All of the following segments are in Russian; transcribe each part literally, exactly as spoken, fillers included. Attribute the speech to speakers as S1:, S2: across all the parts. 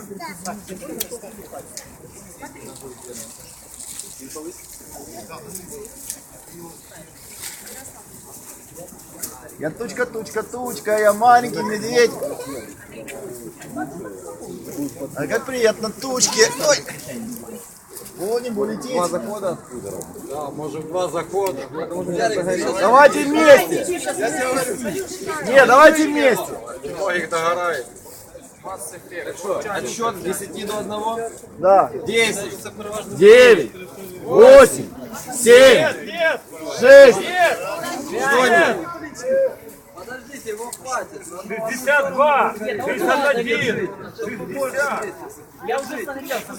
S1: Я тучка, тучка, тучка, я маленький медведь. А как приятно тучки. Ой. О, не улететь.
S2: Два захода? Да, может два захода.
S1: Давайте вместе. Не, давайте вместе.
S2: Их догорает. Отсчет с десяти до одного.
S1: Да.
S2: десять.
S1: девять. восемь. семь. шесть.
S2: Подождите, его хватит.
S3: шестьдесят два, шестьдесят один, шестьдесят.
S4: Я уже смотрелся.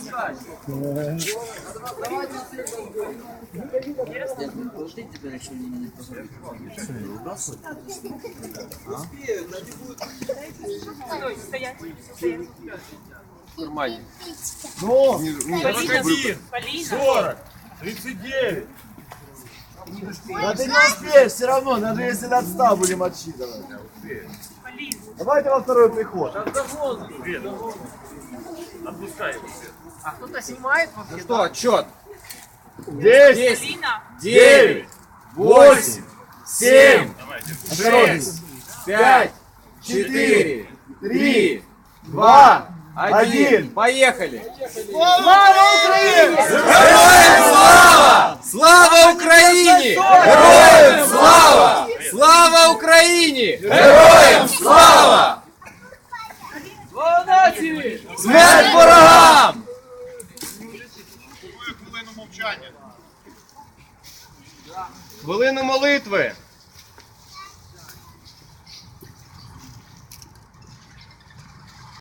S4: Стоять, стоять.
S2: Нормально.
S1: Ну,
S3: сорок один, сорок, тридцать девять.
S1: да ты не успеешь все равно, даже если до ста будем отсчитывать. Давайте во второй приход.
S3: Отпускай его.
S4: А кто-то снимает вообще?
S2: Ну что, отчет?
S1: десять.
S2: девять.
S1: восемь. семь.
S2: шесть. пять. четыре. три.
S1: два.
S2: один.
S1: один.
S2: Поехали.
S1: Слава Украине!
S2: Героям слава! Слава Украине! Героям слава! Слава Украине! Героям слава!
S4: Слава нації!
S2: Смерть ворогам!
S3: Хвилину мовчання.
S2: Хвилину молитви.